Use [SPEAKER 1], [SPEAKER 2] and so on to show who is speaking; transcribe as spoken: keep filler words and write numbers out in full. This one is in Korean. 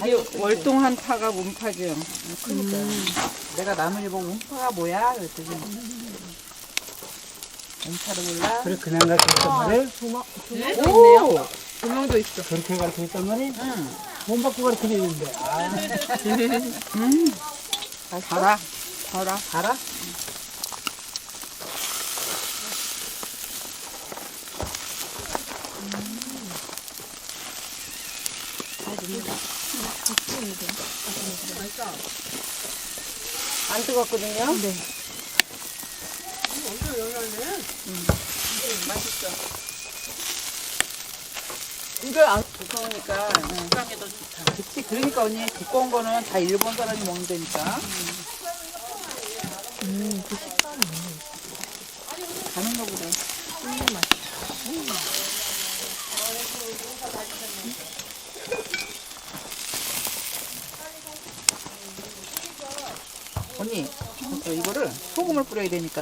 [SPEAKER 1] 이게 월동 한파가 문파죠.
[SPEAKER 2] 그러니까 내가 나무를 보고 음파가 뭐야? 그랬더니 음파를 몰라?
[SPEAKER 3] 그래 그냥 가르쳤단 말이에요?
[SPEAKER 2] 오!
[SPEAKER 1] 조명도 있어.
[SPEAKER 3] 그렇게 가르쳤단 말이에요?
[SPEAKER 2] 응.
[SPEAKER 3] 돈 받고 가르쳐주는데. 아,
[SPEAKER 2] 음.
[SPEAKER 1] 달아. 달아.
[SPEAKER 2] 알아? 안 뜨겁거든요? 네.
[SPEAKER 1] 이거 안
[SPEAKER 2] 두꺼우니까 식감이 더 좋다. 그치, 그러니까 언니 두꺼운 거는 다 일본 사람이 먹는다니까. 음, 그 식감이 가는 거보다. 언니, 이거를 소금을 뿌려야 되니까.